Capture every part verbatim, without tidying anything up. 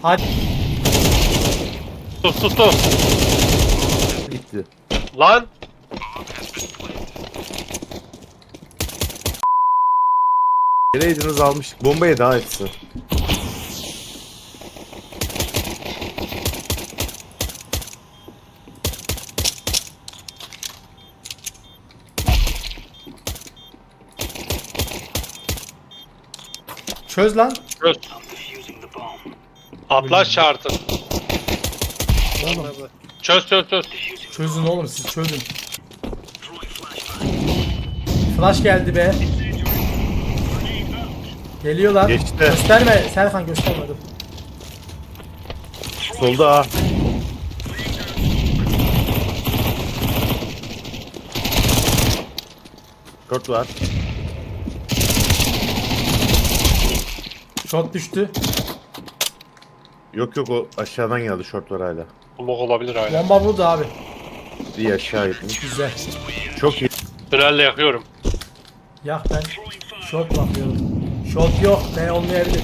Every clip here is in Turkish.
Hadi. Sus sus sus. Gitti. Lan. Geleydiniz almıştık. Bombayı daha etsin. Çöz lan. Çöz. Atlas şartı. Oğlum. Çöz çöz çöz. Çözün oğlum siz çözün. Flash geldi be. Geliyorlar. Geçti. Gösterme Serkan, gösterme dur. Solda ha. Short var. Shot düştü. Yok yok, o aşağıdan geldi, short var hala. Bulmak olabilir hala. Bomba burada abi. İyi, aşağı gitmiş. Güzel. Çok iyi. Tünelle yakıyorum. Yak ben. Shot bakıyorum. Shot yok. Ne olmayabilir.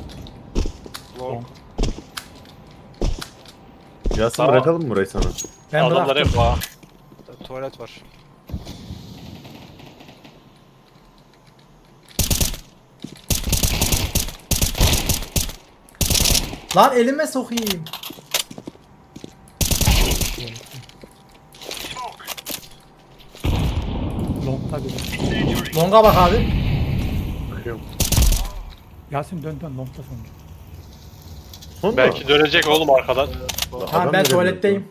Yasin, Tamam. bırakalım mı burayı sana? Ben Adamlar bıraktım. hep var. Tuvalet var. Lan elime sokayım. Long'ta bir. Longa bak abi. Bakıyorum. Yasin dön dön long'ta sonucu. Son Belki dönecek oğlum arkadan. Tamam Adam ben nereye tuvaletteyim.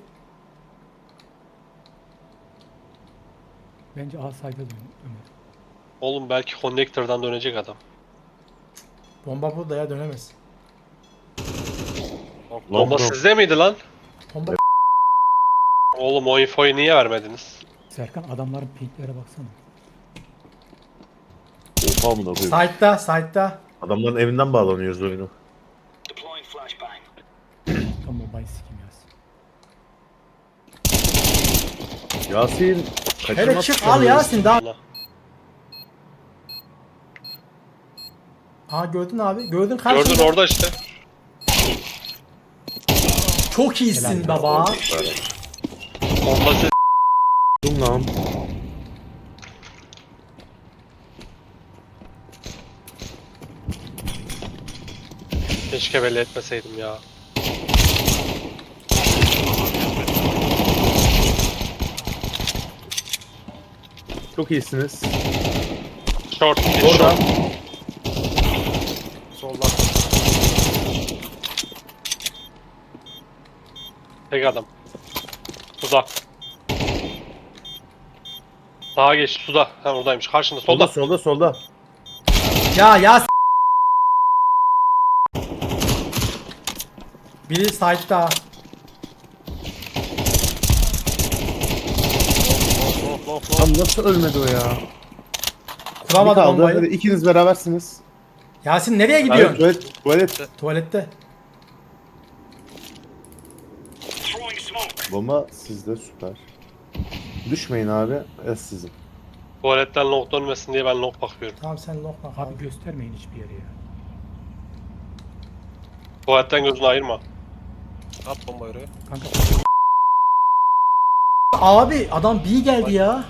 Bence A side'a dön Ömer. Oğlum belki connector'dan dönecek adam. Bomba burada ya, dönemez. Long Bomba long. sizde miydi lan? Bomba. Oğlum o infoyu niye vermediniz? Serkan adamların pinklere baksana. Oha mı da koyayım. Side'da, side'da. Adamların evinden bağlanıyoruz oyunu. Tam bombayı sikim Yasin. Yasin. Hele kaçırmaz çık mısın? al Yasin daha. Allah. Aa gördün abi. Gördün karşında. Gördün orada işte. Çok iyisin baba. Bombası. Dur lan. Keşke belli etmeseydim ya. Çok iyisiniz. Short, bir Orada. short. Solda. Tek adam. Suda. Sağa geç, suda. Ha oradaymış. Karşında, Solda solda. solda solda. Ya ya. Biri side'da. Long long long. Tam nasıl ölmedi o ya? Bir Kuramadı kaldı. bombayı. Hadi ikiniz berabersiniz. Yasin nereye Hadi, gidiyorsun? tuvalet. Tuvalet. Tuvalette. Bomba sizde, süper. Düşmeyin abi. Es sizin. Tuvaletten long dönmesin diye ben long bakıyorum. Tamam sen lokma Abi abi. göstermeyin hiçbir yere ya. Tuvaletten gözünü ayırma. At bombayı oraya. Kanka Abi adam B geldi ya.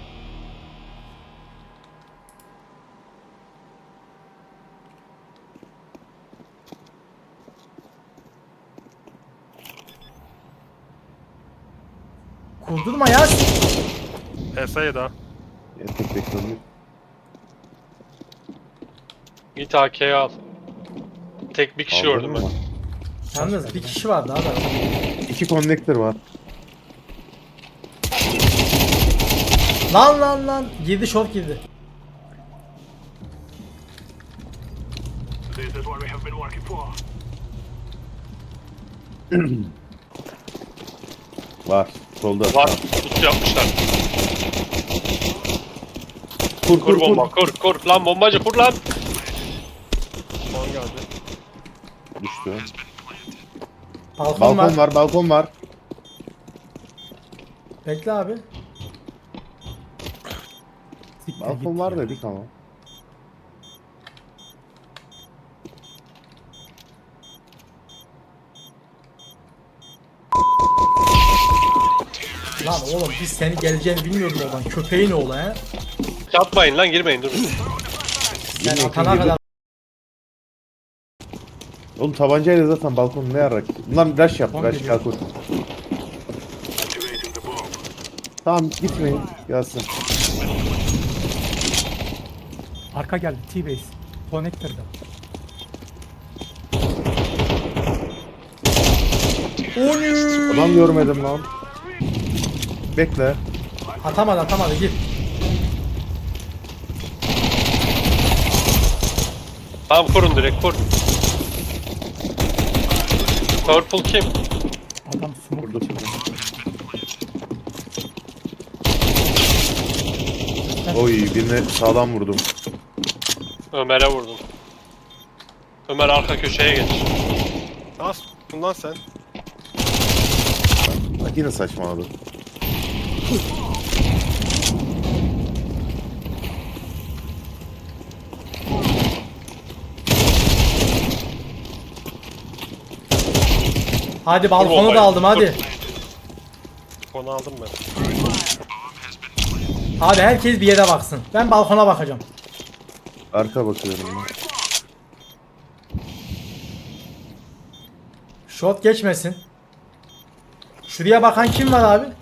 Kurdurma Yasin. Efe'ye daha. Ya, tek bekliyorum. Git A K'ye al. Tek bir kişi gördüm ben. Yalnız bir kişi var daha da. İki konnektör var. Lan lan lan. Girdi, short girdi. Var. Solda. Var. Tut yapmışlar. Kur Kur kur kur. bomba. Kur kur. Lan bombacı kur lan. Long geldi. Düştü. Balkon, Balkon var. var, balkon var. Bekle abi. siktir Balkon git var ya. dedik ama. Lan oğlum biz seni geleceğini bilmiyordum oradan. Köpeğin oğlu he. Yapmayın lan, girmeyin, durun. Sen Girme, atana girme. kadar. Oğlum tabancayla zaten balkonu ne yarar ki? Bunlar rush yap, Tamam, rush geliyor. kalk. Tamam gitmeyin, gelsin. Arka geldi. T-base. Connector'da. Adam görmedim lan. Bekle. Atamadı atamadı git. Tamam, kurun direkt, kur. Purple kim? Adam smoke Burada. içinde. Oy birine sağlam vurdum. Ömer'e vurdum. Ömer arka köşeye geç. Nasıl bundan sen? Bak yine saçmaladı. Hadi balkonu bombayı. da aldım hadi. Konu aldım ben. Abi herkes bir yere baksın. Ben balkona bakacağım. Arka bakıyorum ben. Shot geçmesin. Şuraya bakan kim var abi?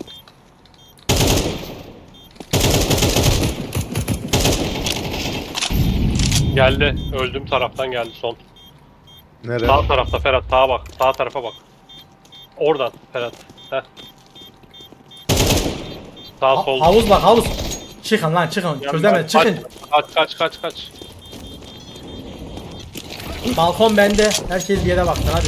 Geldi. Öldüğüm taraftan geldi son. Nere? Sağ tarafta Ferhat. Sağa bak. Sağ tarafa bak. Oradan Ferhat. Heh. Sağ Ha- sol. havuz bak havuz. Çıkın lan çıkın. Çözemez çıkın. Kaç kaç kaç kaç. Balkon bende. Herkes bir yere baksın hadi.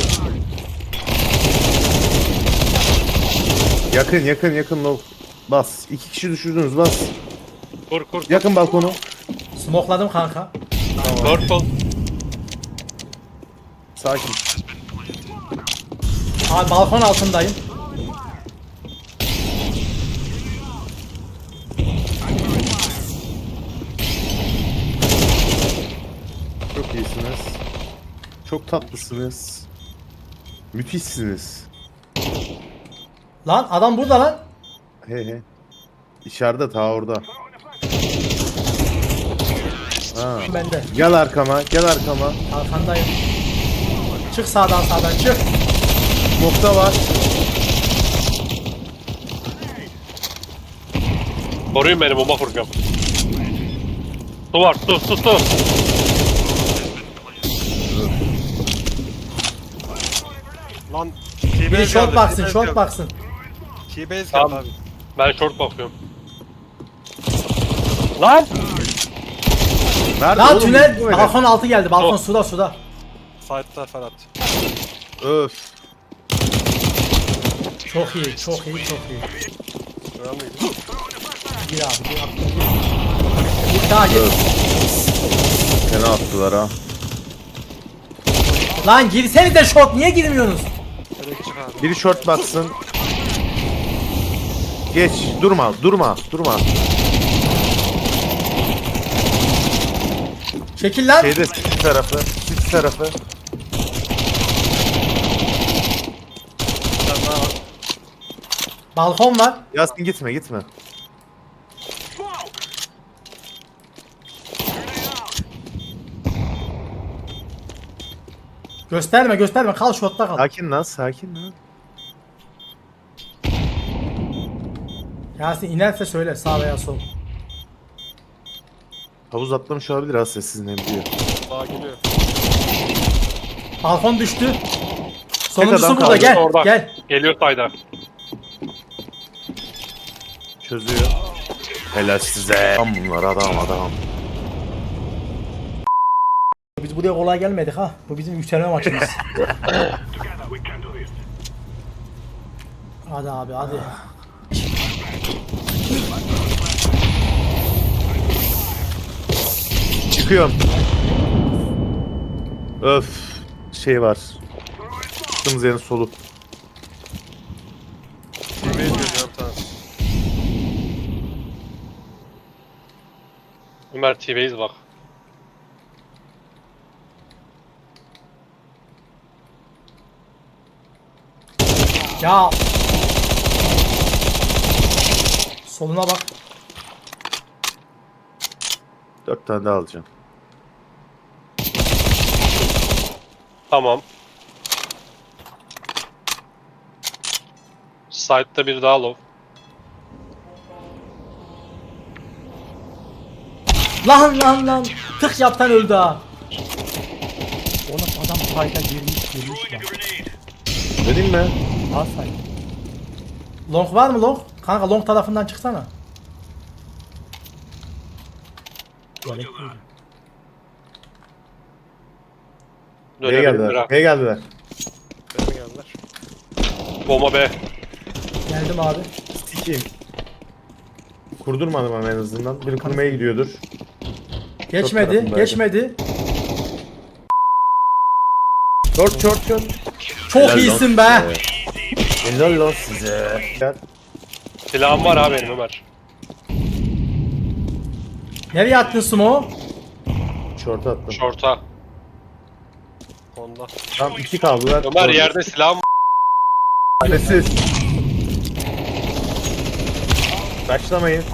Yakın yakın yakın low. Bas. İki kişi düşürdünüz bas. Kur kur. Yakın balkonu. Smokladım kanka. Purple. Sakin. Abi balkon altındayım. Çok iyisiniz. Çok tatlısınız. Müthişsiniz. Lan adam burada lan. He he. İçeride ta orada. Ha. Bende. Gel arkama, gel arkama. Arkandayım. Çık sağdan sağdan çık. Nokta var. Koruyun beni, bomba kuracağım. Su var, su su su. Lan Biri T-base short geldi, baksın T-base short geldi. baksın. T-base geldi Tamam. abi. Ben short bakıyorum. Lan! Nerede Lan oğlum? tünel Bu ne? balkon altı geldi. Balkon Oh. suda suda. Side'da Ferhat. Öf. Çok iyi çok iyi çok iyi. Gören miydi? Gir abi gir abi. Gir daha gir. Öf. Fena attılar ha. Lan girsenize short niye girmiyorsunuz? Direkt çık abi. Biri short baksın. Geç. Durma, durma, durma. Çekil lan. Şeyde sit tarafı, sit tarafı. Bir tane daha var. Balkon var. Yasin gitme, gitme. Gösterme gösterme kal shortta kal. Sakin lan, sakin lan. Yasin inerse söyle sağ veya sol. Havuz atlamış olabilir ha sessiz ne biliyor. Daha geliyor. Balkon düştü. Sonuncusu adam burada kaldı, gel orada. gel. Geliyor sayda. Çözüyor. Helal size. Adam bunlar, adam adam. Biz buraya kolay gelmedik ha. Bu bizim yükselme maçımız. Hadi abi hadi. Çıkıyorum. Öf. Şey var. Çıktığımız yerin solu. T-base geliyor bir tane. Ömer T-base bak. Ya Soluna bak. Dört tane daha alacağım. Tamam. Side'da bir daha low. Lan lan lan. Tık yaptan öldü ha. Oğlum adam sayda girmiş girmiş lan. Vereyim mi? Al say. Long var mı long? Kanka long tarafından çıksana. Gerek değil. B'ye Dönebilir geldiler. ha. B'ye geldiler. B'ye mi geldiler? Bomba B. Geldim abi. Sikiyim. Kurdurmadım ama en azından. Biri kurmaya gidiyordur. Geçmedi, tarafındaydı. geçmedi. Short short short. Çok Helal iyisin lan be. size. Helal lan size. Gel. Silahım var abi benim Ömer. Nereye attın Sumo? Short attım. Short'a. Onda. Tam iki kaldılar. Ömer Short. yerde silahım var. Sessiz. Başlamayın.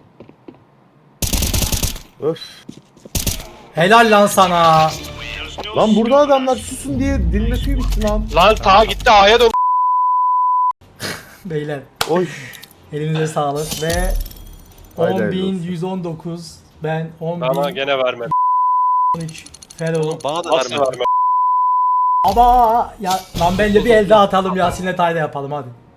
Öf. Helal lan sana. Lan burada adamlar susun diye dinle suyu bitti lan. Lan ta gitti A'ya dön. Beyler Oy. elinize sağlık ve Haydi on hayırlı bin olsun. yüz on dokuz ben on Bana bin gene vermedi. on üç Fero. Bana da Nasıl vermedi. vermedi? Ama ya lan bence bir elde atalım Yasin'le tayda yapalım hadi.